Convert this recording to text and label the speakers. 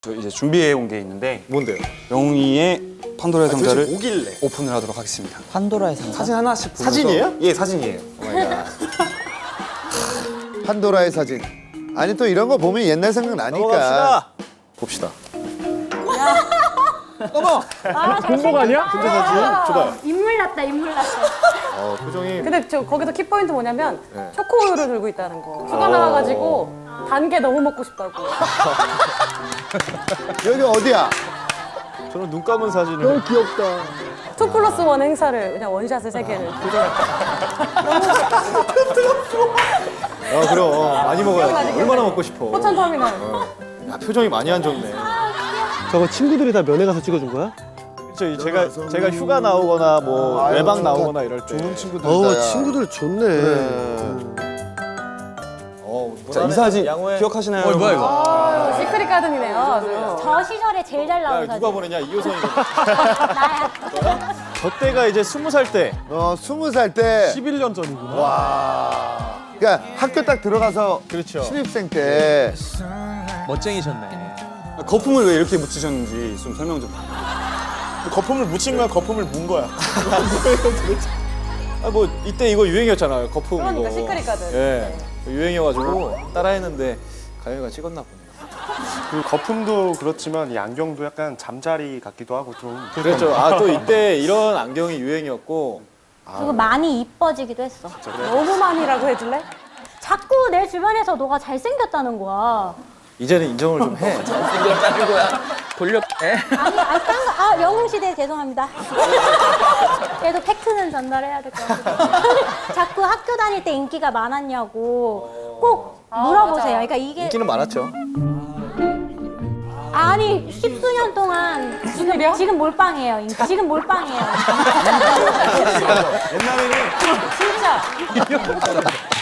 Speaker 1: 저 이제 준비해 온 게 있는데
Speaker 2: 뭔데요?
Speaker 1: 영웅이의 판도라의 상자를
Speaker 2: 뭐길래?
Speaker 1: 오픈을 하도록 하겠습니다.
Speaker 3: 판도라의 상자?
Speaker 1: 사진 하나씩 보면서
Speaker 2: 사진이에요?
Speaker 1: 예, 사진이에요.
Speaker 4: 판도라의 사진. 아니 또 이런 거 보면 옛날 생각 나니까.
Speaker 2: 넘어갑시다. 봅시다.
Speaker 5: 공복 아니야?
Speaker 2: 근데 사진 줘봐요.
Speaker 6: 인물 났다, 인물 났어.
Speaker 2: 표정이
Speaker 7: 근데 저 거기서 키포인트 뭐냐면
Speaker 2: 네.
Speaker 7: 초코우유를 들고 있다는 거. 휴가 나와가지고 단 게 너무 먹고 싶다고.
Speaker 4: 여기 어디야?
Speaker 2: 저는 눈 감은 사진을.
Speaker 4: 귀엽다.
Speaker 7: 2+1 행사를 그냥 원샷을 3개를.
Speaker 2: 그럼 많이 먹어야지. 얼마나 먹고 싶어.
Speaker 7: 포천터미널.
Speaker 2: 야, 표정이 많이 안 좋네.
Speaker 5: 저거 친구들이 다 면회 가서 찍어준 거야?
Speaker 2: 그렇죠. 제가 휴가 나오거나 뭐
Speaker 4: 아유,
Speaker 2: 외박
Speaker 4: 좋다.
Speaker 2: 나오거나 이럴 때.
Speaker 4: 좋은 친구들이다. 야.
Speaker 5: 친구들 좋네.
Speaker 1: 자, 이 사진 기억하시나요?
Speaker 3: 뭐야 이거?
Speaker 7: 아, 시크릿 가든이네요. 아주.
Speaker 6: 저 시절에 제일 잘
Speaker 2: 야,
Speaker 6: 나온
Speaker 2: 누가
Speaker 6: 사진.
Speaker 2: 보내냐? 이효선이.
Speaker 6: 나야.
Speaker 2: 저 때가 이제 20살 때.
Speaker 4: 20살 때.
Speaker 5: 11년 전이구나.
Speaker 4: 와. 그러니까 학교 딱 들어가서
Speaker 2: 그렇죠.
Speaker 4: 신입생 때.
Speaker 3: 멋쟁이셨네.
Speaker 1: 거품을 왜 이렇게 묻히셨는지 좀 설명 좀.
Speaker 2: 거품을 묻힌 거야? 거품을 문 거야? 뭐 이때 이거 유행이었잖아요. 거품
Speaker 7: 그러니까
Speaker 2: 이거.
Speaker 7: 시크릿 가든.
Speaker 2: 예. 유행이어가지고 따라했는데 가영이가 찍었나 보네요.
Speaker 8: 그 거품도 그렇지만 이 안경도 약간 잠자리 같기도 하고 좀
Speaker 2: 그랬죠. 또 이때 이런 안경이 유행이었고.
Speaker 6: 그리고 많이 이뻐지기도 했어.
Speaker 7: 너무 많이라고 해줄래?
Speaker 6: 자꾸 내 주변에서 너가 잘생겼다는 거야.
Speaker 2: 이제는 인정을 좀 해.
Speaker 3: 생겼다는 거야. 돌려.
Speaker 6: 영웅 시대 죄송합니다. 그래도 팩트는 전달해야 될 것 같아요. 자꾸 학교 다닐 때 인기가 많았냐고 꼭 물어보세요. 그러니까 이게
Speaker 2: 인기는 많았죠.
Speaker 6: 아니 10수년 동안 지금 몰빵이에요. 인기. 지금 몰빵이에요.
Speaker 2: 옛날에는
Speaker 7: 진짜.